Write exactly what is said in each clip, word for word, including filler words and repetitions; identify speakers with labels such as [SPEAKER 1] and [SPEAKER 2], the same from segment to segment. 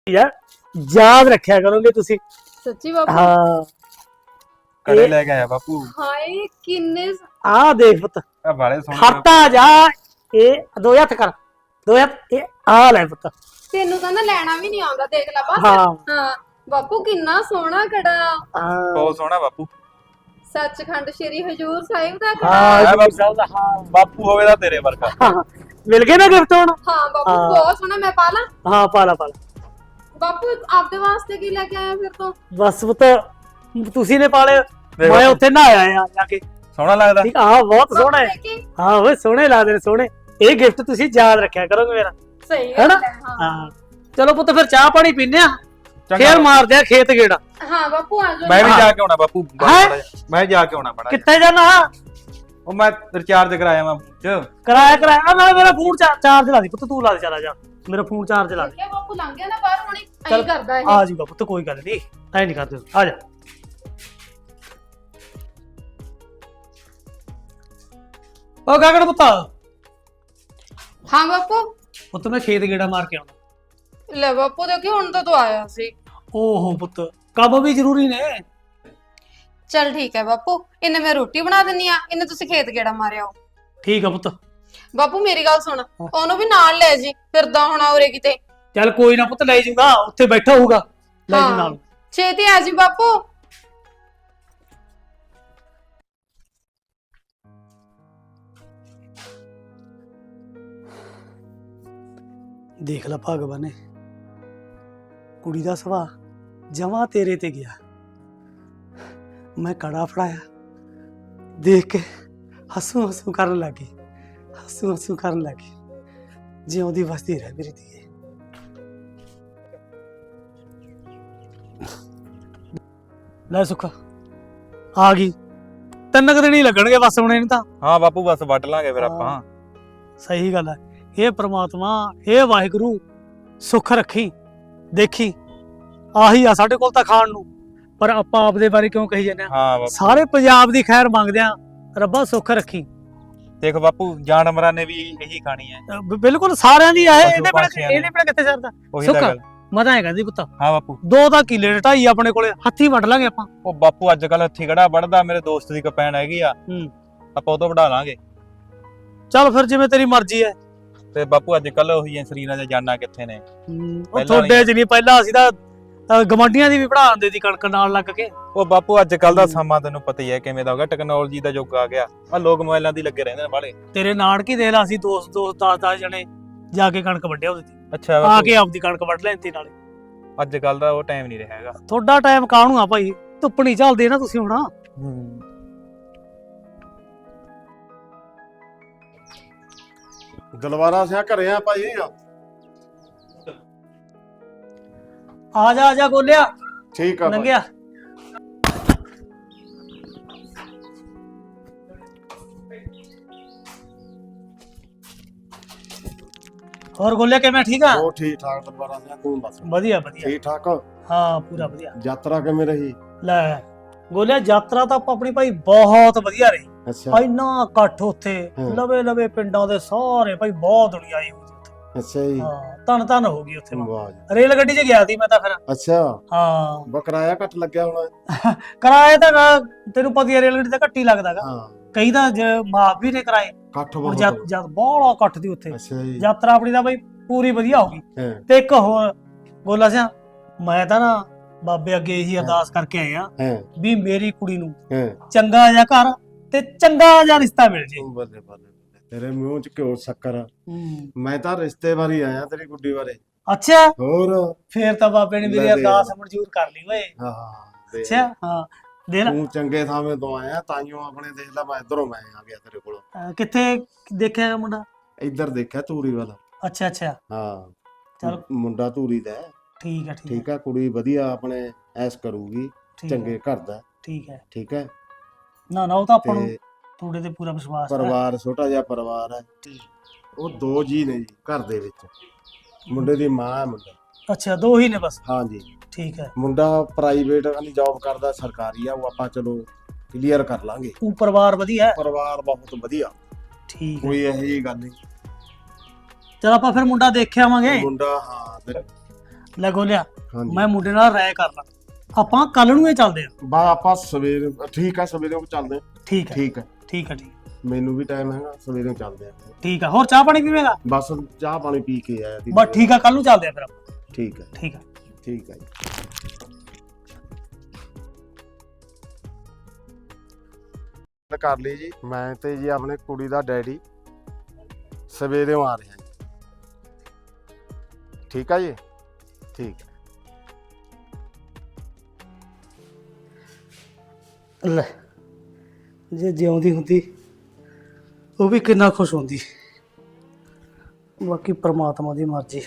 [SPEAKER 1] यार याद रखा करोगे तुसी
[SPEAKER 2] सच्ची बापू
[SPEAKER 1] हाँ
[SPEAKER 3] कड़े लेके आया बापू
[SPEAKER 2] हाय किन्ने
[SPEAKER 1] आ देख पुत
[SPEAKER 3] आ बड़े सोहने
[SPEAKER 1] खाता जा ए दो हत्थ कर दो हत्थ ए आ ले पुत
[SPEAKER 2] तेनू ਤਾਂ ਨਾ ਲੈਣਾ ਵੀ ਨਹੀਂ ਆਉਂਦਾ ਦੇਖ ਲੈ ਬਸ
[SPEAKER 1] ਹਾਂ
[SPEAKER 2] ਹਾਂ ਬਾਪੂ ਕਿੰਨਾ ਸੋਹਣਾ ਕੜਾ
[SPEAKER 1] हाँ
[SPEAKER 3] बहुत सोहना बापू
[SPEAKER 2] ਸੱਚਖੰਡ ਸ੍ਰੀ ਹਜੂਰ ਸਾਹਿਬ ਦਾ ਕੜਾ
[SPEAKER 1] हाँ
[SPEAKER 3] है
[SPEAKER 1] जी
[SPEAKER 3] बापू।
[SPEAKER 1] साहब, हाँ
[SPEAKER 3] बापू होवे दा तेरे वर्गा
[SPEAKER 1] हाँ, मिल गए ना गिफ्ट ਹੁਣ
[SPEAKER 2] ਹਾਂ ਬਾਪੂ
[SPEAKER 1] ਹਾਂ।
[SPEAKER 2] ਬਹੁਤ ਸੋਹਣਾ ਮੈਂ ਪਾ ਲਾਂ
[SPEAKER 1] हाँ पाला पाला
[SPEAKER 2] ਬਾਪੂ ਆਪਦੇ ਵਾਸਤੇ ਕੀ ਲੈ ਕੇ ਆਇਆ ਫਿਰ ਤੋਂ
[SPEAKER 1] बस पुत ਤੁਸੀਂ ਨੇ ਪਾਲੇ
[SPEAKER 3] ਦੇਖ
[SPEAKER 1] ਮੈਂ
[SPEAKER 3] ਬਾਪੂ।
[SPEAKER 1] ਉੱਥੇ ਨਾ ਆਇਆ ਜਾ ਕੇ
[SPEAKER 3] सोहना लगदा
[SPEAKER 1] ਠੀਕ ਹਾਂ ਬਹੁਤ ਸੋਹਣਾ ਹੈ
[SPEAKER 2] ਬਾਪੂ ਦੇਖੀ,
[SPEAKER 1] ਹਾਂ ਓਏ ਸੋਹਣੇ ਲੱਗਦੇ ਨੇ ਸੋਹਣੇ ਇਹ ਗਿਫਟ ਤੁਸੀਂ ਯਾਦ ਰੱਖਿਆ ਕਰੋਗੇ ਮੇਰਾ
[SPEAKER 2] ਸਹੀ
[SPEAKER 1] ਹੈਨਾ
[SPEAKER 2] ਗੱਲ ਹੈ ਹਾਂ
[SPEAKER 1] ਹਾਂ ਚਲੋ ਪੁੱਤ ਫਿਰ ਚਾਹ ਪਾਣੀ ਪੀਨੇ ਆ
[SPEAKER 3] चंगा
[SPEAKER 1] ਫੇਰ ਮਾਰਦੇ ਆ ਖੇਤ ਗੇੜਾ
[SPEAKER 2] ਹਾਂ ਬਾਪੂ ਆ
[SPEAKER 3] मैं भी
[SPEAKER 2] ਜਾਓ
[SPEAKER 3] जाके आना बापू
[SPEAKER 1] हैं?
[SPEAKER 3] मैं जाके आना बड़ा
[SPEAKER 1] ਕਿੱਥੇ ਜਾਣਾ
[SPEAKER 3] ओ मैं रिचार्ज कराया मैं च
[SPEAKER 1] ਕਰਾਇਆ ਕਰਾਇਆ ਮੈਂ ਮੇਰਾ ਫੋਨ ਚਾਰਜ ਲਾ ਦੇ ਪੁੱਤ ਤੂੰ ਲਾ ਦੇ ਚਲਾ ਜਾ ਮੇਰਾ ਫੋਨ ਚਾਰਜ ਲਾ ਦੇ
[SPEAKER 2] ਦੇਖਿਆ ਬਾਪੂ ਲੰਘ ਗਿਆ ਨਾ ਬਾਹਰ ਹੁਣੀ
[SPEAKER 1] ਚੱਲ,
[SPEAKER 2] ਐਂ ਕਰਦਾ ਇਹ
[SPEAKER 1] ਆ ਜੂਗਾ ਪੁੱਤ ਕੋਈ ਗੱਲ ਨਹੀਂ ਐ ਨਹੀਂ ਕਰਦੇ ਆ ਜਾ ਓ ਗਗਨ ਪੁੱਤ
[SPEAKER 2] ਹਾਂ ਬਾਪੂ
[SPEAKER 1] ਪੁੱਤ ਮੈਂ ਖੇਤ ਗੇੜਾ ਮਾਰ ਕੇ ਆਉਣਾ
[SPEAKER 2] ਲੈ ਬਾਪੂ ਦੇਖੀ ਹੁਣ ਤਾਂ ਤੂੰ ਆਇਆ ਸੀ
[SPEAKER 1] ਓਹੋ ਪੁੱਤ ਕੰਮ ਵੀ ਜ਼ਰੂਰੀ ਨੇ
[SPEAKER 2] ਚਲ ਠੀਕ ਹੈ ਬਾਪੂ ਇਹਨੇ ਮੈਂ ਰੋਟੀ ਬਣਾ ਦਿੰਨੀ ਆ ਇਹਨੇ ਤੁਸੀਂ ਖੇਤ ਗੇੜਾ ਮਾਰਿਆ ਹੋ
[SPEAKER 1] ਠੀਕ ਆ ਪੁੱਤ
[SPEAKER 2] ਬਾਪੂ ਮੇਰੀ ਗੱਲ ਸੁਣ ਉਹਨੂੰ ਵੀ ਨਾਲ ਲੈ ਜੀ ਫਿਰਦਾ ਹੋਣਾ ਉਰੇ ਕਿਤੇ
[SPEAKER 1] ਚੱਲ ਕੋਈ ਨਾ ਪੁੱਤ ਲੈ ਜੂਗਾ ਉੱਥੇ ਬੈਠਾ ਹੋਊਗਾ ਲੈ ਜੂ ਨਾਲ
[SPEAKER 2] ਛੇਤੀ ਆ ਜੀ ਬਾਪੂ
[SPEAKER 1] ਦੇਖ ਲੈ ਭਗਵਾਨ ਨੇ ਕੁੜੀ ਦਾ ਸੁਭਾਅ ਜਮਾ ਤੇਰੇ ਤੇ ਗਿਆ ਮੈਂ ਕੜਾ ਫੜਾਇਆ ਦੇਖ ਕੇ ਹੱਸੂ ਹੱਸੂ ਕਰਨ ਲੱਗੀ ਹੱਸੂ ਹੱਸੂ ਕਰਨ ਲੱਗੀ ਜਿਉਂਦੀ ਵਸਦੀ ਰਹਿ ਮੇਰੀ ਧੀਏ ਲੈ ਸੁੱਖ ਆ ਗਈ ਤਿੰਨ ਕੁ ਦਿਨ ਹੀ ਲੱਗਣਗੇ ਬਸ ਹੁਣ ਇਹਨੂੰ ਤਾਂ
[SPEAKER 3] हां बापू बस वट लांगे फिर
[SPEAKER 1] हाँ।
[SPEAKER 3] ਆਪਾਂ
[SPEAKER 1] ਸਹੀ ਗੱਲ ਹੈ ਇਹ ਪ੍ਰਮਾਤਮਾ ਇਹ ਵਾਹਿਗੁਰੂ ਸੁੱਖ ਰੱਖੀ ਦੇਖੀ ਆਹੀ ਆ ਸਾਡੇ ਕੋਲ ਤਾਂ ਖਾਣ ਨੂੰ ਪਰ ਆਪਾਂ ਆਪਦੇ ਬਾਰੇ ਕਿਉਂ ਕਹੀ ਜਾਂਦੇ ਆ
[SPEAKER 3] ਹਾਂ ਬਾਪੂ
[SPEAKER 1] ਸਾਰੇ ਪੰਜਾਬ ਦੀ ਖੈਰ ਮੰਗਦੇ ਆ ਰੱਬਾ ਸੁੱਖ ਰੱਖੀ
[SPEAKER 3] ਦੇਖ ਬਾਪੂ ਜਾਨਵਰਾਂ ਨੇ ਵੀ ਇਹੀ ਖਾਣੀ ਹੈ
[SPEAKER 1] ਅਹ ਬ- ਬਿਲਕੁਲ ਸਾਰਿਆਂ ਦੀ ਆ ਇਹ,
[SPEAKER 3] ਪਸ਼ੂ
[SPEAKER 1] ਇਹਦੇ ਬਿਨਾਂ
[SPEAKER 3] ਪੰਛੀਆਂ ਨੇ।
[SPEAKER 1] ਇਹਦੇ ਬਿਨਾਂ ਕਿੱਥੇ ਸਰਦਾ
[SPEAKER 3] ਉਹੀ
[SPEAKER 1] ਸੁੱਖ
[SPEAKER 3] ਤਾਂ ਗੱਲ
[SPEAKER 1] ਮੈਂ ਤਾਂ ਐਂ ਕਹਿੰਦੀ ਪੁੱਤ
[SPEAKER 3] ਹਾਂ ਬਾਪੂ
[SPEAKER 1] ਦੋ ਤਾਂ ਕਿੱਲੇ ਨੇ ਢਾਈ ਆਪਣੇ ਕੋਲੇ ਹੱਥੀ ਵੱਢ ਲਾਂਗੇ ਆਪਾਂ
[SPEAKER 3] ਉਹ ਬਾਪੂ ਅੱਜ ਕੱਲ ਹੱਥੀ ਖੜਾ ਵੜਦਾ ਮੇਰੇ ਦੋਸਤ ਦੀ ਕਪੈਣ ਹੈਗੀ ਆ
[SPEAKER 1] ਹੂੰ
[SPEAKER 3] ਆਪਾਂ ਉਹ ਤੋਂ ਵਢਾ ਲਾਂਗੇ
[SPEAKER 1] ਚੱਲ ਫਿਰ ਜਿਵੇਂ ਤੇਰੀ ਮਰਜ਼ੀ ਹੈ
[SPEAKER 3] ਤੇ ਬਾਪੂ ਅੱਜ ਕੱਲ ਉਹੀ ਸਰੀਰਾਂ ਦੇ ਜਾਨਾਂ ਕਿੱਥੇ ਨੇ
[SPEAKER 1] ਹੂੰ, ਉਹ
[SPEAKER 3] ਪਹਿਲਾਂ
[SPEAKER 1] ਤੁਹਾਡੇ ਚ ਨਹੀਂ ਪਹਿਲਾਂ ਅਸੀਂ ਤਾਂ ਅਹ, ਗਵਾਂਢੀਆਂ ਦੀ ਵੀ ਪੜਾ ਦਿੰਦੇ ਸੀ ਕਣਕ ਨਾਲ ਲੱਗ ਕੇ
[SPEAKER 3] ਉਹ ਬਾਪੂ ਅੱਜ ਕੱਲ ਦਾ
[SPEAKER 1] ਹੂੰ।
[SPEAKER 3] ਸਮਾਂ ਤੈਨੂੰ ਪਤਾ ਹੀ ਹੈ ਕਿਵੇਂ ਦਾ ਹੋ ਗਿਆ ਟੈਕਨੋਲੋਜੀ ਦਾ ਯੁੱਗ ਆ ਗਿਆ ਆ ਲੋਕ ਮੋਬਾਈਲਾਂ ਦੀ ਲੱਗੇ ਰਹਿੰਦੇ ਨੇ ਬਾਲੇ
[SPEAKER 1] ਤੇਰੇ ਨਾਨਕੀ ਦੇਖ ਲਾ ਅਸੀਂ ਦੋਸਤ ਦੋਸਤ ਦਸ ਦਸ ਜਣੇ ਜਾ ਕੇ ਕਣਕ ਵੱਢਿਆ ਉਹਦੇ ਤੇ
[SPEAKER 3] ਅੱਛਾ
[SPEAKER 1] ਆ
[SPEAKER 3] ਬਾਪੂ
[SPEAKER 1] ਕੇ ਆਪਦੀ ਕਣਕ ਵੱਢ ਲੈਂਦੀ ਨਾਲੇ
[SPEAKER 3] ਅੱਜ ਕੱਲ ਦਾ ਉਹ ਟਾਈਮ ਨਹੀਂ ਰਿਹਾ ਹੈਗਾ
[SPEAKER 1] ਤੁਹਾਡਾ ਟਾਈਮ ਕਾਹਨੂੰ ਆ ਭਾਈ ਧੁੱਪ ਨਹੀਂ ਝੱਲਦੇ ਨਾ ਤੁਸੀਂ ਹੁਣ
[SPEAKER 4] ਦਲਵਾਰਾ ਸਿਆ ਘਰੇ ਆ ਭਾਈ
[SPEAKER 1] ਆ ਜਾ ਆ ਜਾ ਗੋਲਿਆ
[SPEAKER 4] ਠੀਕ ਆ ਭਾਈ।
[SPEAKER 1] ਲੰਘਿਆ ਹੋਰ ਗੋਲਿਆ ਕਿਵੇਂ ਠੀਕ ਆ
[SPEAKER 4] ਉਹ ਠੀਕ ਠਾਕ ਦਲਵਾਰਾ ਸਿਆ ਤੂੰ ਦੱਸ
[SPEAKER 1] ਵਧੀਆ ਵਧੀਆ
[SPEAKER 4] ਠੀਕ ਠਾਕ
[SPEAKER 1] ਹਾਂ ਪੂਰਾ ਵਧੀਆ
[SPEAKER 4] ਯਾਤਰਾ ਕਿਵੇਂ ਰਹੀ
[SPEAKER 1] ਲੈ ਗੋਲਿਆ ਯਾਤਰਾ ਤਾਂ ਆਪਾਂ ਆਪਣੀ ਭਾਈ ਬਹੁਤ ਵਧੀਆ ਰਹੀ
[SPEAKER 4] ਅੱਛਾ
[SPEAKER 1] ਇੰਨਾ ਇਕੱਠ ਉੱਥੇ
[SPEAKER 4] ਹਾਂ।
[SPEAKER 1] ਲਵੇ ਲਵੇ ਪਿੰਡਾਂ ਦੇ ਸਾਰੇ ਭਾਈ ਬਹੁਤ ਦੁਨੀਆ ਆਈ ਹੋਈ ਸੀ
[SPEAKER 4] ਅੱਛਾ ਜੀ
[SPEAKER 1] ਹਾਂ ਧੰਨ ਧੰਨ ਹੋ ਗਈ ਉੱਥੇ ਮੈਂ।
[SPEAKER 4] ਵਾਹ ਜੀ।
[SPEAKER 1] ਰੇਲ ਗੱਡੀ 'ਚ ਗਿਆ ਸੀ ਮੈਂ ਤਾਂ ਫਿਰ
[SPEAKER 4] ਅੱਛਾ
[SPEAKER 1] ਹਾਂ
[SPEAKER 4] ਬਕਰਾਇਆ ਘੱਟ ਲੱਗਿਆ ਹੋਣਾ
[SPEAKER 1] ਕਿਰਾਏ ਤਾਂ ਗਾ, ਤੈਨੂੰ ਪਤਾ ਹੀ ਹੈ ਰੇਲ ਗੱਡੀ ਤਾਂ ਘੱਟ ਹੀ ਲੱਗਦਾਗਾ
[SPEAKER 4] ਹਾਂ
[SPEAKER 1] ਕਈ ਤਾਂ ਜ- ਮਾਫ ਵੀ ਨੇ ਕਿਰਾਏ
[SPEAKER 4] ਘੱਟ
[SPEAKER 1] ਹੁਣ
[SPEAKER 4] ਬਹੁਤ
[SPEAKER 1] ਜਦ ਜਦ ਬਹੁਤ ਇਕੱਠ ਦੀ ਉੱਥੇ
[SPEAKER 4] ਅੱਛਾ ਜੀ
[SPEAKER 1] ਯਾਤਰਾ ਆਪਣੀ ਤਾਂ ਬਈ ਪੂਰੀ ਵਧੀਆ ਹੋ ਗਈ
[SPEAKER 4] ਹਾਂ
[SPEAKER 1] ਤੇ ਇੱਕ ਹੋਰ ਗੋਲਾ ਸਿਆ ਮੈਂ ਤਾਂ ਨਾ ਬਾਬੇ ਅੱਗੇ ਇਹੀ ਅਰਦਾਸ ਕਰਕੇ ਆਏ ਆ
[SPEAKER 4] ਹਾਂ
[SPEAKER 1] ਵੀ ਮੇਰੀ ਕੁੜੀ ਨੂੰ
[SPEAKER 4] ਹਾਂ
[SPEAKER 1] ਚੰਗਾ ਜਿਹਾ ਘਰ ਤੇ ਚੰਗਾ ਜਿਹਾ ਰਿਸ਼ਤਾ ਮਿਲ ਜੇ
[SPEAKER 4] ਬੱਲੇ ਬੱਲੇ ਬੱਲੇ। ਤੇਰੇ ਮੂੰਹ ਚ ਘਿਓ ਸ਼ੱਕਰ ਮੈਂ ਤਾਂ ਰਿਸ਼ਤੇ ਬਾਰੇ ਆਇਆ ਤੇਰੀ ਗੁੱਡੀ ਬਾਰੇ
[SPEAKER 1] ਅੱਛਾ
[SPEAKER 4] ਹੋਰ
[SPEAKER 1] ਫੇਰ ਤਾਂ ਬਾਬੇ ਨੇ ਮੇਰੀ
[SPEAKER 4] ਲੈ ਦੇ।
[SPEAKER 1] ਅਰਦਾਸ ਮਨਜ਼ੂਰ ਕਰ ਲਈ ਓਏ
[SPEAKER 4] ਹਾਂ ਦੇ।
[SPEAKER 1] ਅੱਛਾ ਹਾਂ ਦੇ ਨਾ
[SPEAKER 4] ਤੂੰ ਚੰਗੇ ਥਾਵੇਂ ਤੋਂ ਆਇਆ ਤਾਈਓ ਆਪਣੇ ਦੇਖ ਲੈ ਮੈਂ ਇਧਰੋਂ ਮੈਂ ਆ ਗਿਆ ਤੇਰੇ ਕੋਲ
[SPEAKER 1] ਅਹ ਕਿੱਥੇ ਦੇਖਿਆ ਮੁੰਡਾ
[SPEAKER 4] ਇੱਧਰ ਦੇਖਿਆ ਧੂਰੀ ਵਾਲਾ
[SPEAKER 1] ਅੱਛਾ ਅੱਛਾ
[SPEAKER 4] ਹਾਂ
[SPEAKER 1] ਚੱਲ।
[SPEAKER 4] ਮੁੰਡਾ ਧੂਰੀ ਦਾ ਹੈ।
[SPEAKER 1] ਠੀਕ ਹੈ ਠੀਕ ਹੈ
[SPEAKER 4] ਠੀਕ ਆ ਕੁੜੀ ਵਧੀਆ ਆਪਣੇ ਐਸ ਕਰੂਗੀ
[SPEAKER 1] ਠੀਕ ਹੈ,
[SPEAKER 4] ਚੰਗੇ ਘਰ ਦਾ
[SPEAKER 1] ਠੀਕ ਹੈ
[SPEAKER 4] ਠੀਕ ਹੈ
[SPEAKER 1] ਨਾ ਨਾ ਉਹ ਤਾਂ ਆਪਾਂ ਨੂੰ
[SPEAKER 4] ਤੇ
[SPEAKER 1] ਤੁਹਾਡੇ ਤੇ ਪੂਰਾ ਵਿਸ਼ਵਾਸ ਹੈ
[SPEAKER 4] ਪਰਿਵਾਰ ਛੋਟਾ ਜਿਹਾ ਪਰਿਵਾਰ ਹੈ ਉਹ ਦੋ ਜੀ ਨੇ ਜੀ ਘਰ ਦੇ ਵਿੱਚ ਮੁੰਡੇ ਦੀ ਮਾਂ ਹੈ ਮੁੰਡਾ
[SPEAKER 1] ਅੱਛਾ ਦੋ ਹੀ ਨੇ ਬਸ
[SPEAKER 4] ਹਾਂ ਜੀ
[SPEAKER 1] ਠੀਕ ਹੈ
[SPEAKER 4] ਮੁੰਡਾ ਪ੍ਰਾਈਵੇਟ ਵਾਲੀ ਜੌਬ ਕਰਦਾ ਸਰਕਾਰੀ ਆ ਉਹ ਆਪਾਂ ਚਲੋ ਕਲੀਅਰ ਕਰ ਲਾਂਗੇ
[SPEAKER 1] ਉਹ ਪਰਿਵਾਰ ਵਧੀਆ ਹੈ
[SPEAKER 4] ਪਰਿਵਾਰ ਬਹੁਤ ਵਧੀਆ
[SPEAKER 1] ਠੀਕ ਹੈ
[SPEAKER 4] ਕੋਈ ਇਹੋ ਜਿਹੀ ਗੱਲ ਨਹੀਂ
[SPEAKER 1] ਚਲ ਆਪਾਂ ਫਿਰ ਮੁੰਡਾ ਦੇਖ ਆਵਾਂਗੇ
[SPEAKER 4] ਮੁੰਡਾ ਹਾਂ ਤੇ
[SPEAKER 1] ਲੈ ਗੋਲਿਆ
[SPEAKER 4] ਹਾਂਜੀ
[SPEAKER 1] ਮੈਂ ਮੁੰਡੇ ਨਾਲ ਰਾਏ ਕਰ ਲਾਂ ਆਪਾਂ ਕੱਲ ਨੂੰ ਇਹ ਚੱਲਦੇ ਆ
[SPEAKER 4] ਬਾ ਆਪਾਂ ਸਵੇਰ ਠੀਕ ਆ ਸਵੇਰੇ ਉਹ ਚੱਲਦੇ ਆ।
[SPEAKER 1] ਠੀਕ ਹੈ
[SPEAKER 4] ਠੀਕ ਹੈ
[SPEAKER 1] ਠੀਕ ਹੈ ਠੀਕ
[SPEAKER 4] ਮੈਨੂੰ ਵੀ ਟਾਈਮ ਹੈਗਾ ਸਵੇਰੇ ਚੱਲਦੇ ਆ।
[SPEAKER 1] ਠੀਕ ਹੈ ਹੋਰ ਚਾਹ ਪਾਣੀ ਪੀਵੇਂਗਾ
[SPEAKER 4] ਬਸ ਚਾਹ ਪਾਣੀ ਪੀ ਕੇ ਆਇਆ ਸੀ।
[SPEAKER 1] ਬਸ ਠੀਕ ਆ ਕੱਲ ਨੂੰ ਚੱਲਦੇ ਆ ਫਿਰ ਆਪਾਂ
[SPEAKER 4] ਠੀਕ ਹੈ
[SPEAKER 1] ਠੀਕ ਆ
[SPEAKER 4] ਠੀਕ ਹੈ ਜੀ। ਕਰ ਲਈ ਜੀ ਮੈਂ ਤੇ ਜੀ ਆਪਣੇ ਕੁੜੀ ਦਾ ਡੈਡੀ ਸਵੇਰੇ ਆ ਰਹੇ ਹਾਂ ਜੀ। ਠੀਕ ਆ ਜੀ ਠੀਕ ਹੈ।
[SPEAKER 1] ਲੈ ਜੇ ਜਿਉਂਦੀ ਹੁੰਦੀ ਉਹ ਵੀ ਕਿੰਨਾ ਖੁਸ਼ ਹੁੰਦੀ ਬਾਕੀ ਪ੍ਰਮਾਤਮਾ ਦੀ ਮਰਜ਼ੀ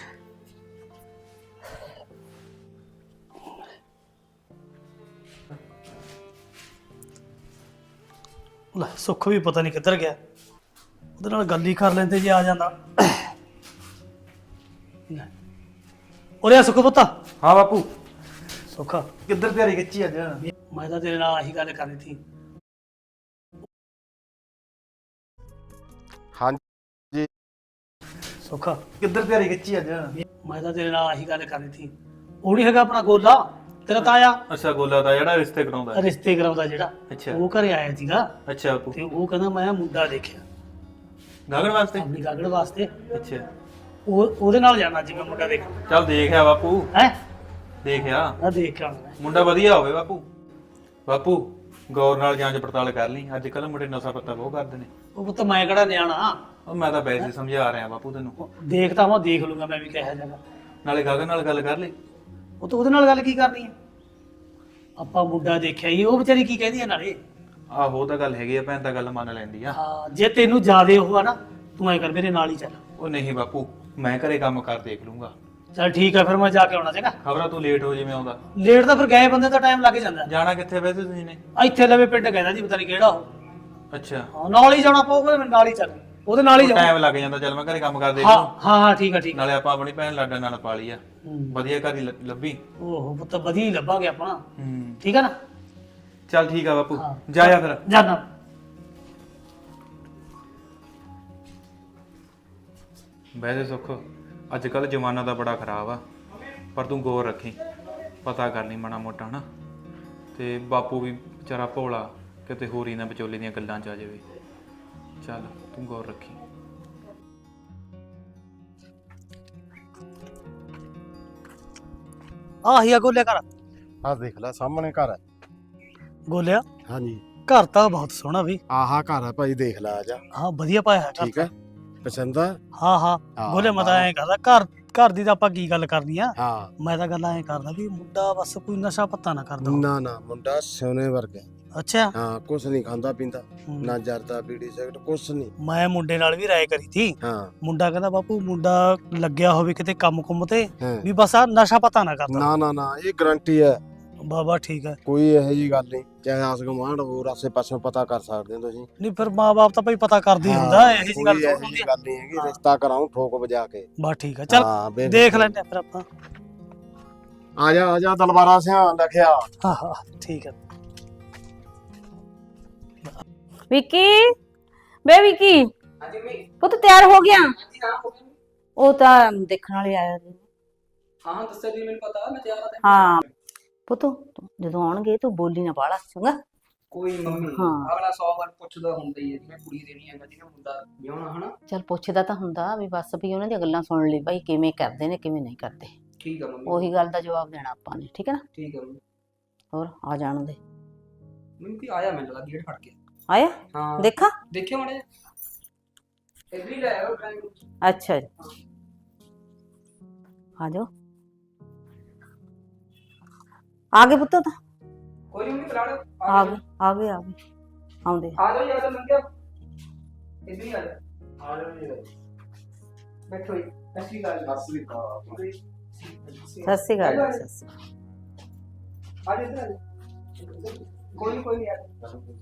[SPEAKER 1] ਲੈ ਸੁੱਖ ਵੀ ਪਤਾ ਨਹੀਂ ਕਿੱਧਰ ਗਿਆ ਉਹਦੇ ਨਾਲ ਗੱਲ ਹੀ ਕਰ ਲੈਂਦੇ ਜੇ ਆ ਜਾਂਦਾ ਲੈ। ਉਰੇ ਆ ਸੁੱਖ ਪੁੱਤਾ
[SPEAKER 3] ਹਾਂ ਬਾਪੂ
[SPEAKER 1] ਸੁੱਖ
[SPEAKER 3] ਕਿੱਧਰ ਤਿਆਰੀ ਖਿੱਚੀ ਅੱਜ
[SPEAKER 1] ਮੈਂ ਤਾਂ ਤੇਰੇ ਨਾਲ ਆਹੀ ਗੱਲ ਕਰਨੀ ਸੀ
[SPEAKER 4] ਹਾਂਜੀ
[SPEAKER 1] ਸੁੱਖ
[SPEAKER 3] ਕਿੱਧਰ ਤਿਆਰੀ ਖਿੱਚੀ ਅੱਜ
[SPEAKER 1] ਮੈਂ ਤਾਂ ਤੇਰੇ ਨਾਲ ਆਹੀ ਗੱਲ ਕਰਨੀ ਸੀ ਉਹ ਨਹੀਂ ਹੈਗਾ ਆਪਣਾ ਗੋਲਾ ਤੇਰਾ ਤਾਇਆ
[SPEAKER 3] ਅੱਛਾ ਗੋਲਾ ਦਾ ਜਿਹੜਾ ਰਿਸ਼ਤੇ ਕਰਾਉਂਦਾ
[SPEAKER 1] ਰਿਸ਼ਤੇ ਕਰਾਉਂਦਾ ਜਿਹੜਾ
[SPEAKER 3] ਅੱਛਾ
[SPEAKER 1] ਉਹ ਘਰੇ ਆਇਆ ਸੀਗਾ
[SPEAKER 3] ਅੱਛਾ ਬਾਪੂ
[SPEAKER 1] ਤੇ ਉਹ ਕਹਿੰਦਾ ਮੈਂ ਮੁੰਡਾ ਦੇਖਿਆ
[SPEAKER 3] ਗਾਗਣ ਵਾਸਤੇ
[SPEAKER 1] ਆਪਣੀ ਗਾਗੜ ਵਾਸਤੇ
[SPEAKER 3] ਅੱਛਾ
[SPEAKER 1] ਉਹ ਉਹਦੇ ਨਾਲ ਜਾਣਾ ਸੀ ਮੈਂ ਮੁੰਡਾ ਦੇਖ
[SPEAKER 3] ਚੱਲ ਦੇਖਿਆ ਬਾਪੂ
[SPEAKER 1] ਹੈ
[SPEAKER 3] ਦੇਖਿਆ
[SPEAKER 1] ਆ ਦੇਖ ਕੇ ਆਉਣਾ ਮੈਂ।
[SPEAKER 3] ਮੁੰਡਾ ਵਧੀਆ ਹੋਵੇ ਬਾਪੂ ਬਾਪੂ ਗੌਰ ਨਾਲ ਜਾਂਚ ਪੜਤਾਲ ਕਰ ਲਈ ਅੱਜ ਕੱਲ ਮੁੰਡੇ ਨਸ਼ਾ ਪੱਤਾ ਬਹੁਤ ਕਰਦੇ ਨੇ
[SPEAKER 1] ਉਹ ਪੁੱਤ ਮੈਂ ਕਿਹੜਾ ਨਿਆਣਾ
[SPEAKER 3] ਉਹ ਮੈਂ ਤਾਂ ਵੈਸੇ ਹੀ ਸਮਝਾ ਰਿਹਾ ਬਾਪੂ ਤੈਨੂੰ
[SPEAKER 1] ਦੇਖਦਾ ਮੈਂ ਦੇਖ ਲੂੰਗਾ ਮੈਂ ਵੀ ਕਿਹੋ ਜਿਹਾ
[SPEAKER 3] ਨਾਲੇ ਗਾਗਣ ਨਾਲ ਗੱਲ ਕਰ ਲਈ
[SPEAKER 1] ਉਹ ਤਾਂ ਉਹਦੇ ਨਾਲ ਗੱਲ ਕੀ ਕਰਨੀ ਹੈ ਆਪਾਂ ਮੁੰਡਾ ਦੇਖਿਆ ਹੀ ਉਹ ਵਿਚਾਰੀ ਕੀ ਕਹਿੰਦੀ ਹੈ ਨਾਲੇ
[SPEAKER 3] ਆਹੋ ਉਹ ਤਾਂ ਗੱਲ ਹੈਗੀ ਆ ਭੈਣ ਤਾਂ ਗੱਲ ਮੰਨ ਲੈਂਦੀ ਆ
[SPEAKER 1] ਹਾਂ ਜੇ ਤੈਨੂੰ ਜ਼ਿਆਦੇ ਉਹ ਆ ਨਾ ਤੂੰ ਐ ਕਰ ਮੇਰੇ ਨਾਲ ਹੀ ਚੱਲ
[SPEAKER 3] ਉਹ ਨਹੀਂ ਬਾਪੂ ਮੈਂ ਘਰੇ ਕੰਮ ਕਰ ਦੇਖ ਲੂੰਗਾ
[SPEAKER 1] ਚੱਲ ਠੀਕ ਹੈ ਫਿਰ ਮੈਂ ਜਾ ਕੇ ਆਉਣਾ ਚਾਹੀਦਾ
[SPEAKER 3] ਖਬਰਾਂ ਤੂੰ ਲੇਟ ਹੋ ਜਿਵੇਂ ਆਉਂਦਾ
[SPEAKER 1] ਲੇਟ ਤਾਂ ਫਿਰ ਗਏ ਬੰਦੇ ਦਾ ਟਾਈਮ ਲੱਗ ਜਾਂਦਾ
[SPEAKER 3] ਜਾਣਾ ਕਿੱਥੇ ਵੈਸੇ ਤੁਸੀਂ ਨੇ
[SPEAKER 1] ਇੱਥੇ ਲਵੇ ਪਿੰਡ ਕਹਿੰਦਾ ਜੀ ਪਤਾ ਨਹੀਂ ਕਿਹੜਾ ਉਹ
[SPEAKER 3] ਅੱਛਾ
[SPEAKER 1] ਹਾਂ ਨਾਲ ਹੀ ਜਾਣਾ ਪਊਗਾ ਮੈਨੂੰ ਨਾਲ ਹੀ ਚੱਲ ਉਹਦੇ ਨਾਲ ਹੀ ਜਾਣਾ
[SPEAKER 3] ਟਾਈਮ ਲੱਗ ਜਾਂਦਾ ਚੱਲ ਮੈਂ ਘਰੇ ਕੰਮ ਕਰ ਦੇਖ
[SPEAKER 1] ਹਾਂ
[SPEAKER 3] ਲੂੰ
[SPEAKER 1] ਹਾਂ ਹਾਂ ਠੀਕ ਹੈ ਠੀਕ ਹੈ
[SPEAKER 3] ਨਾਲੇ ਆਪਾਂ ਆਪਣੀ ਭੈਣ ਲਾਡਾ ਨਾਲ ਪਾ ਲਈ ਆ
[SPEAKER 1] ਹੂੰ।
[SPEAKER 3] ਵਧੀਆ ਘਰ ਹੀ ਲ- ਲੱਭੀ
[SPEAKER 1] ਓਹੋ ਪੁੱਤ ਵਧੀਆ ਹੀ ਲੱਭਾਂਗੇ ਆਪਾਂ
[SPEAKER 3] ਹੂੰ
[SPEAKER 1] ਠੀਕ ਹੈ ਨਾ
[SPEAKER 3] ਚੱਲ ਠੀਕ ਆ ਬਾਪੂ
[SPEAKER 1] ਹਾਂ।
[SPEAKER 3] ਜਾਇਆ ਫਿਰ
[SPEAKER 1] ਜਾਨਾ
[SPEAKER 3] ਵੈਸੇ ਸੁੱਖ ਅੱਜ ਕੱਲ ਜ਼ਮਾਨਾ ਤਾਂ ਬੜਾ ਖਰਾਬ ਆ ਪਰ ਤੂੰ ਗੌਰ ਰੱਖੀ ਪਤਾ ਕਰ ਲਈ ਮਾੜਾ ਮੋਟਾ ਹਨਾ ਤੇ ਬਾਪੂ ਵੀ ਵਿਚਾਰਾ ਭੋਲਾ ਕਿਤੇ ਹੋਰ ਹੀ ਨਾ ਵਿਚੋਲੇ ਦੀਆਂ ਗੱਲਾਂ ਚ ਆ ਜਾਵੇ ਚੱਲ ਤੂੰ ਗੌਰ ਰੱਖੀ
[SPEAKER 1] ਆਹੀ ਆ ਗੋਲਿਆ ਘਰ
[SPEAKER 4] ਆਹ ਦੇਖ ਲੈ ਸਾਹਮਣੇ ਘਰ ਹੈ।
[SPEAKER 1] ਗੋਲਿਆ
[SPEAKER 4] ਹਾਂਜੀ
[SPEAKER 1] ਘਰ ਤਾਂ ਬਹੁਤ ਸੋਹਣਾ ਵੀ
[SPEAKER 4] ਆਹਾ ਘਰ ਹੈ ਭਾਈ ਦੇਖ ਲੈ ਆ ਜਾ
[SPEAKER 1] ਹਾਂ ਵਧੀਆ ਪਾਇਆ ਹੈ ਘਰ
[SPEAKER 4] ਠੀਕ ਹੈ ਪਸੰਦ ਆ
[SPEAKER 1] ਹਾਂ ਹਾਂ
[SPEAKER 4] ਹਾਂ,
[SPEAKER 1] ਗੋਲਿਆ ਮੈਂ ਤਾਂ ਐਂ ਕਰਦਾ ਘਰ ਘਰ ਦੀ ਤਾਂ ਆਪਾਂ ਕੀ ਗੱਲ ਕਰਨੀ ਆ
[SPEAKER 4] ਹਾਂ
[SPEAKER 1] ਮੈਂ ਤਾਂ ਗੱਲ ਐਂ ਕਰਦਾ ਵੀ ਮੁੰਡਾ ਬਸ ਕੋਈ ਨਸ਼ਾ ਪੱਤਾ ਨਾ ਕਰਦਾ ਹੋਵੇ।
[SPEAKER 4] ਨਾ ਨਾ ਮੁੰਡਾ ਸੋਨੇ ਵਰਗਾ
[SPEAKER 1] ਅੱਛਾ
[SPEAKER 4] ਹਾਂ ਕੁਛ ਨਹੀਂ ਖਾਂਦਾ ਪੀਂਦਾ
[SPEAKER 1] ਹੂੰ।
[SPEAKER 4] ਨਾ ਜਰਦਾ ਬੀੜੀ ਸਿਗਰਟ ਕੁਛ ਨਹੀਂ
[SPEAKER 1] ਮੈਂ ਮੁੰਡੇ ਨਾਲ ਵੀ ਰਾਏ ਕਰੀ ਸੀ
[SPEAKER 4] ਹਾਂ
[SPEAKER 1] ਮੁੰਡਾ ਕਹਿੰਦਾ ਬਾਪੂ ਮੁੰਡਾ ਲੱਗਿਆ ਹੋਵੇ ਕਿਤੇ ਕੰਮ ਕੁੰਮ ਤੇ
[SPEAKER 4] ਹਾਂ।
[SPEAKER 1] ਵੀ ਬਸ ਆ ਨਸ਼ਾ ਪਤਾ ਨਾ ਕਰਦਾ
[SPEAKER 4] ਨਾ ਨਾ ਨਾ ਇਹ ਗਰੰਟੀ ਹੈ
[SPEAKER 1] ਬਾਬਾ ਠੀਕ ਹੈ
[SPEAKER 4] ਕੋਈ ਇਹੋ ਜੀ ਗੱਲ ਨਹੀਂ ਚਾਹੇ ਆਸ ਗਵਾਂਢ ਹੋਰ ਆਸੇ ਪਾਸੋਂ ਪਤਾ ਕਰ ਸਕਦੇ ਹੋ ਤੁਸੀਂ
[SPEAKER 1] ਨਹੀਂ ਫਿਰ ਮਾਂ-ਬਾਪ ਤਾਂ ਭਾਈ ਪਤਾ ਕਰਦੇ ਹੀ ਹੁੰਦਾ ਇਹੋ ਜੀ ਗੱਲ
[SPEAKER 4] ਕੋਈ ਇਹੋ
[SPEAKER 1] ਥੋੜ੍ਹੀ
[SPEAKER 4] ਜਿਹੀ
[SPEAKER 1] ਹੁੰਦੀ ਆ।
[SPEAKER 4] ਗੱਲ ਨਹੀਂ ਹੈਗੀ ਰਿਸ਼ਤਾ ਕਰਾਉਂ ਠੋਕ ਵਜਾ ਕੇ
[SPEAKER 1] ਬਸ ਠੀਕ ਹੈ ਚੱਲ
[SPEAKER 4] ਹਾਂ, ਬੇ-
[SPEAKER 1] ਦੇਖ ਲੈਂਦੇ ਆ ਫਿਰ ਆਪਾਂ
[SPEAKER 4] ਆ ਜਾ ਆ ਜਾ ਦਲਬਾਰਾ ਸਿਆ ਲਖਿਆ
[SPEAKER 1] ਹਾਂ ਹਾਂ ਠੀਕ ਹੈ
[SPEAKER 5] ਵਿੱਕੀ ਬੇ ਵਿੱਕੀ ਪੁੱਤ ਤਿਆਰ ਹੋ ਗਿਆ ਉਹ ਤਾਂ ਦੇਖਣ ਵਾਲੇ ਆਇਆ ਸੀ
[SPEAKER 6] ਹਾਂ ਦੱਸਿਆ ਜੀ ਮੈਨੂੰ ਪਤਾ ਮੈਂ ਤਿਆਰ ਆ
[SPEAKER 5] ਹਾਂ ਪੁੱਤ ਤੂੰ ਜਦੋਂ ਆਉਣਗੇ ਤੂੰ ਬੋਲੀ ਨਾ ਬਾਹਲਾ ਚੰਗਾ
[SPEAKER 6] ਕੋਈ ਮੰਮੀ
[SPEAKER 5] ਹਾਂ।
[SPEAKER 6] ਅਗਲਾ ਸੌ ਵਾਰ ਪੁੱਛਦਾ ਹੁੰਦਾ ਹੀ ਹੈ ਕਿ ਮੈਂ ਕੁੜੀ ਦੇਣੀ ਹੈਗਾ ਜਿਹਨੇ ਮੁੰਡਾ ਵਿਆਹਣਾ ਹਨਾ
[SPEAKER 5] ਚੱਲ ਪੁੱਛਦਾ ਤਾਂ ਹੁੰਦਾ ਵੀ ਬਸ ਵੀ ਉਹਨਾਂ ਦੀਆਂ ਗੱਲਾਂ ਸੁਣ ਲਈ ਭਾਈ ਕਿਵੇਂ ਕਰਦੇ ਨੇ ਕਿਵੇਂ ਨਹੀਂ ਕਰਦੇ
[SPEAKER 6] ਠੀਕ ਆ ਮੰਮੀ
[SPEAKER 5] ਉਹੀ ਗੱਲ ਦਾ ਜਵਾਬ ਦੇਣਾ ਆਪਾਂ ਨੇ ਠੀਕ ਹੈ ਨਾ
[SPEAKER 6] ਠੀਕ ਆ ਮੰਮੀ
[SPEAKER 5] ਹੋਰ ਆ ਜਾਣ ਦੇ
[SPEAKER 6] ਮੈਨੂੰ ਕੀ ਆਇਆ ਮੈਨੂੰ ਲੱਗਾ ਗੇਟ ਫੜ ਕੇ
[SPEAKER 5] ਆਇਆ
[SPEAKER 6] ਹਾਂ
[SPEAKER 5] ਦੇਖਾ
[SPEAKER 6] ਦੇਖਿਓ ਮੜੇ ਇੱਧਰ ਹੀ ਲੈ ਆਓ ਡਰਾਈਵਰ
[SPEAKER 5] ਅੱਛਾ ਜੀ ਆ ਜਾਓ ਆ ਗਏ ਪੁੱਤ ਤਾਂ
[SPEAKER 6] ਕੋਈ ਨਹੀਂ ਬੁਲਾ ਲਓ
[SPEAKER 5] ਆ ਗਏ ਆ ਗਏ ਆ ਗਏ ਆਉਂਦੇ
[SPEAKER 6] ਆ ਜਾਓ ਯਾਰ ਲੰਘਿਆ ਇੱਧਰ ਹੀ ਆ ਜਾ ਆ ਜਾਓ ਜੀ ਬੈਠੋ ਜੀ ਅਸਲੀ ਗੱਲ
[SPEAKER 4] ਅਸਲੀ ਕਾ
[SPEAKER 5] ਸਤਿ ਸ਼੍ਰੀ ਅਕਾਲ ਜੀ, ਸਤਿ ਸ਼੍ਰੀ ਅਕਾਲ।
[SPEAKER 6] ਆ ਜਾ ਇੱਧਰ ਆ ਜਾ ਕੋਈ ਨੀ, ਕੋਈ ਨਹੀਂ ਯਾਰ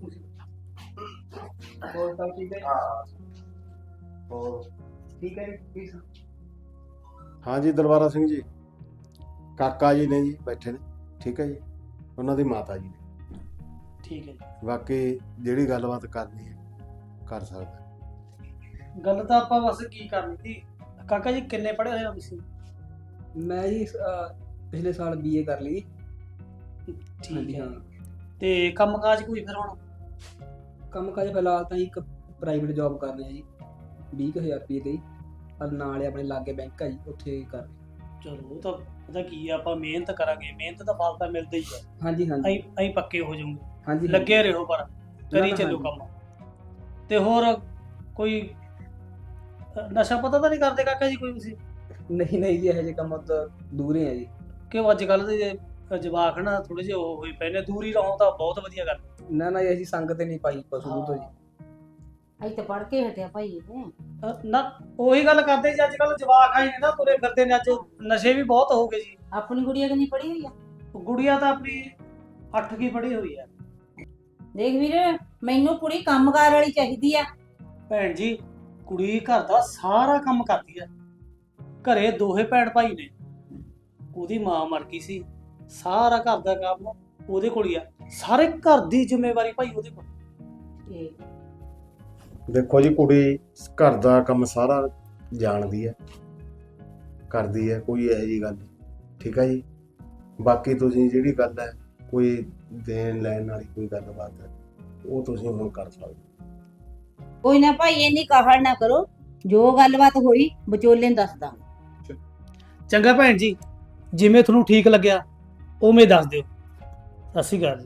[SPEAKER 6] ਹੋਰ ਸਭ ਠੀਕ ਹੈ
[SPEAKER 4] ਹਾਂ ਹੋਰ
[SPEAKER 6] ਠੀਕ ਹੈ ਜੀ ਪਲੀਜ਼
[SPEAKER 4] ਹਾਂਜੀ ਦਲਬਾਰਾ ਸਿੰਘ ਜੀ ਕਾਕਾ ਜੀ ਨੇ ਜੀ ਬੈਠੇ ਨੇ ਠੀਕ ਹੈ ਜੀ ਉਹਨਾਂ ਦੀ ਮਾਤਾ ਜੀ ਨੇ
[SPEAKER 1] ਠੀਕ ਹੈ ਜੀ
[SPEAKER 4] ਬਾਕੀ ਜਿਹੜੀ ਗੱਲਬਾਤ ਕਰਨੀ ਹੈ ਕਰ ਸਕਦਾ
[SPEAKER 1] ਗੱਲ ਤਾਂ ਆਪਾਂ ਬਸ ਕੀ ਕਰਨੀ ਸੀ ਕਾਕਾ ਜੀ ਕਿੰਨੇ ਪੜ੍ਹੇ ਹੋਏ ਹੋ ਤੁਸੀਂ
[SPEAKER 6] ਮੈਂ ਜੀ ਅਹ, ਪਿਛਲੇ ਸਾਲ ਬੀਏ ਕਰ ਲਈ।
[SPEAKER 1] ਠੀਕ
[SPEAKER 6] ਹਾਂਜੀ
[SPEAKER 1] ਹੈ
[SPEAKER 6] ਹਾਂ।
[SPEAKER 1] ਤੇ ਕੰਮਕਾਜ ਕੋਈ ਫਿਰ ਹੁਣ?
[SPEAKER 6] ਕੰਮ ਕਾਜ ਫਿਲਹਾਲ ਤਾਂ ਜੀ ਇੱਕ ਪ੍ਰਾਈਵੇਟ ਜੌਬ ਕਰ ਰਹੇ ਆ ਜੀ ਵੀਹ ਕੁ ਹਜ਼ਾਰ ਰੁਪਏ ਤੇ ਜੀ। ਪਰ ਨਾਲੇ ਆਪਣੇ ਲਾਗੇ ਬੈਂਕ ਆ ਜੀ, ਉੱਥੇ ਕਰ ਰਹੇ।
[SPEAKER 1] ਚਲੋ ਉਹ ਤਾਂ ਪਤਾ ਕੀ ਆ, ਆਪਾਂ ਮਿਹਨਤ ਕਰਾਂਗੇ, ਮਿਹਨਤ ਦਾ ਫਲ ਤਾਂ ਮਿਲਦਾ ਹੀ ਹੈ।
[SPEAKER 6] ਹਾਂਜੀ ਹਾਂਜੀ
[SPEAKER 1] ਅਸੀਂ ਅਸੀਂ ਪੱਕੇ ਹੋ ਜਾਵਾਂਗੇ,
[SPEAKER 6] ਹਾਂਜੀ
[SPEAKER 1] ਲੱਗੇ ਰਹੋ ਪਰ ਕਰੀ
[SPEAKER 6] ਨਾ,
[SPEAKER 1] ਚੱਲੋ
[SPEAKER 6] ਹਾਂਜੀ।
[SPEAKER 1] ਕੰਮ। ਤੇ ਹੋਰ ਕੋਈ ਅ, ਨਸ਼ਾ ਪਤਾ ਤਾਂ ਨਹੀਂ ਕਰਦੇ ਕਾਕਾ ਜੀ ਕੋਈ ਤੁਸੀਂ?
[SPEAKER 6] ਨਹੀਂ ਨਹੀਂ ਜੀ, ਇਹੋ ਜਿਹੇ ਕੰਮ ਤੋਂ ਦੂਰ ਹੀ ਆ ਜੀ।
[SPEAKER 1] ਕਿ ਅੱਜ ਕੱਲ ਦੇ ਜਵਾਕ ਨਾ ਥੋੜੇ ਜਿਹੇ ਉਹ ਹੋਈ ਪਏ ਨੇ, ਦੂਰ ਹੀ ਰਹੋ ਤਾਂ ਬਹੁਤ ਵਧੀਆ ਗੱਲ।
[SPEAKER 6] ਨਾ ਨਾ ਜੀ, ਅਸੀਂ ਸੰਗਤ ਨਹੀਂ ਪਾਈ ਪਸ਼ੂ ਤੋਂ ਜੀ।
[SPEAKER 5] ਅਸੀਂ ਤਾਂ ਪੜ ਕੇ ਹਟਿਆ ਭਾਈ ਇਹ
[SPEAKER 1] ਅ, ਨਾ ਉਹੀ ਗੱਲ ਕਰਦੇ ਜੀ, ਅੱਜ ਕੱਲ ਜਵਾਕ ਆਏ ਨੇ ਨਾ ਤੁਰੇ ਫਿਰਦੇ ਨੇ, ਅੱਜ ਨਸ਼ੇ ਵੀ ਬਹੁਤ ਹੋ ਗਏ ਜੀ।
[SPEAKER 5] ਆਪਣੀ ਗੁੜੀਆ ਕਿੰਨੀ ਪੜੀ ਹੋਈ ਆ?
[SPEAKER 1] ਗੁੜੀਆ ਤਾਂ ਆਪਣੀ ਅੱਠ ਕੀ ਪੜ੍ਹੀ ਹੋਈ ਹੈ।
[SPEAKER 5] ਦੇਖ ਵੀਰੇ, ਮੈਨੂੰ ਕੁੜੀ ਕੰਮਕਾਰ ਵਾਲੀ ਚਾਹੀਦੀ ਆ।
[SPEAKER 1] ਭੈਣ ਜੀ ਕੁੜੀ ਘਰ ਦਾ ਸਾਰਾ ਕੰਮ ਕਰਦੀ ਹੈ, ਘਰੇ ਦੋਹੇ ਭੈਣ ਭਾਈ ਨੇ, ਉਹਦੀ ਮਾਂ ਮਰ ਗਈ ਸੀ, ਸਾਰਾ ਘਰ ਦਾ ਕੰਮ ਉਹਦੇ ਕੋਲ ਹੀ ਆ, ਸਾਰੇ ਘਰ ਦੀ ਜ਼ਿੰਮੇਵਾਰੀ ਭਾਈ ਉਹਦੇ ਕੋਲ।
[SPEAKER 5] ਇਹ
[SPEAKER 4] ਦੇਖੋ ਜੀ, ਕੁੜੀ ਘਰ ਦਾ ਕੰਮ ਸਾਰਾ ਜਾਣਦੀ ਹੈ, ਕਰਦੀ ਹੈ, ਕੋਈ ਇਹੋ ਜਿਹੀ ਗੱਲ ਨਹੀਂ। ਠੀਕ ਹੈ ਜੀ। ਬਾਕੀ ਤੁਸੀਂ ਜਿਹੜੀ ਗੱਲ ਹੈ ਕੋਈ ਦੇਣ ਲੈਣ ਵਾਲੀ ਕੋਈ ਗੱਲਬਾਤ ਹੈ, ਉਹ ਤੁਸੀਂ ਹੁਣ ਕਰ ਸਕਦੇ ਹੋ।
[SPEAKER 5] ਕੋਈ ਨਾ ਭਾਈ, ਇੰਨੀ ਕਾਹਲ ਨਾ ਕਰੋ, ਜੋ ਗੱਲਬਾਤ ਹੋਈ ਵਿਚੋਲੇ ਨੂੰ ਦੱਸ ਦਾਂਗੇ।
[SPEAKER 1] ਚੰਗਾ ਭੈਣ ਜੀ, ਜਿਵੇਂ ਤੁਹਾਨੂੰ ਠੀਕ ਲੱਗਿਆ ਉਵੇਂ ਦੱਸ ਦਿਓ। ਸਤਿ ਸ਼੍ਰੀ ਅਕਾਲ ਜੀ।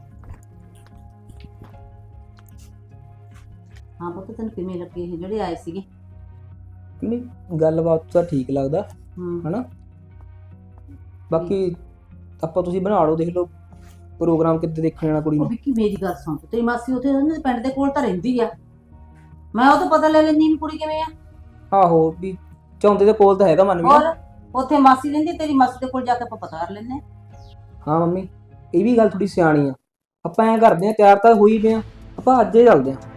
[SPEAKER 5] ਹਾਂ ਪੁੱਤ, ਤੈਨੂੰ ਕਿਵੇਂ ਲੱਗੇ ਇਹ ਜਿਹੜੇ ਆਏ ਸੀਗੇ?
[SPEAKER 6] ਨਹੀਂ, ਗੱਲਬਾਤ ਤਾਂ ਠੀਕ ਲੱਗਦਾ
[SPEAKER 5] ਹੂੰ।
[SPEAKER 6] ਹਨਾ। ਬਾਕੀ ਆਪਾਂ ਤੁਸੀਂ ਬਣਾ ਲਓ, ਦੇਖ ਲਓ ਪ੍ਰੋਗਰਾਮ ਕਿੱਦੇ ਦੇਖਣ ਜਾਣਾ ਕੁੜੀ
[SPEAKER 5] ਉਹ
[SPEAKER 6] ਨੂੰ।
[SPEAKER 5] ਵਿੱਕੀ ਮੇਰੀ ਗੱਲ ਸੁਣ, ਤੇਰੀ ਮਾਸੀ ਉੱਥੇ ਉਹਨਾਂ ਦੇ ਪਿੰਡ ਦੇ ਕੋਲ ਤਾਂ ਰਹਿੰਦੀ ਆ, ਮੈਂ ਉਹ ਤੋਂ ਪਤਾ ਲੈ ਲੈਣੀ ਵੀ ਕੁੜੀ ਕਿਵੇਂ ਆ।
[SPEAKER 6] ਆਹੋ, ਵੀ ਚਾਹੁੰਦੇ ਦੇ ਕੋਲ ਤਾਂ ਹੈਗਾ ਮਨ ਵੀ ਨਾ।
[SPEAKER 5] ਔਰ ਉੱਥੇ ਮਾਸੀ ਰਹਿੰਦੀ, ਤੇਰੀ ਮਾਸੀ ਦੇ ਕੋਲ ਜਾ ਕੇ ਆਪਾਂ ਪਤਾ ਕਰ ਲੈਂਦੇ ਹਾਂ।
[SPEAKER 6] ਹਾਂ ਮੰਮੀ, ਇਹ ਵੀ ਗੱਲ ਥੋੜੀ ਸਿਆਣੀ ਆ। ਆਪਾਂ ਐਂ ਕਰਦੇ ਆ, ਤਿਆਰ ਤਾਂ ਹੋਈ ਪਏ ਆ, ਆਪਾਂ ਅੱਜ ਹੀ ਚੱਲਦੇ ਆ।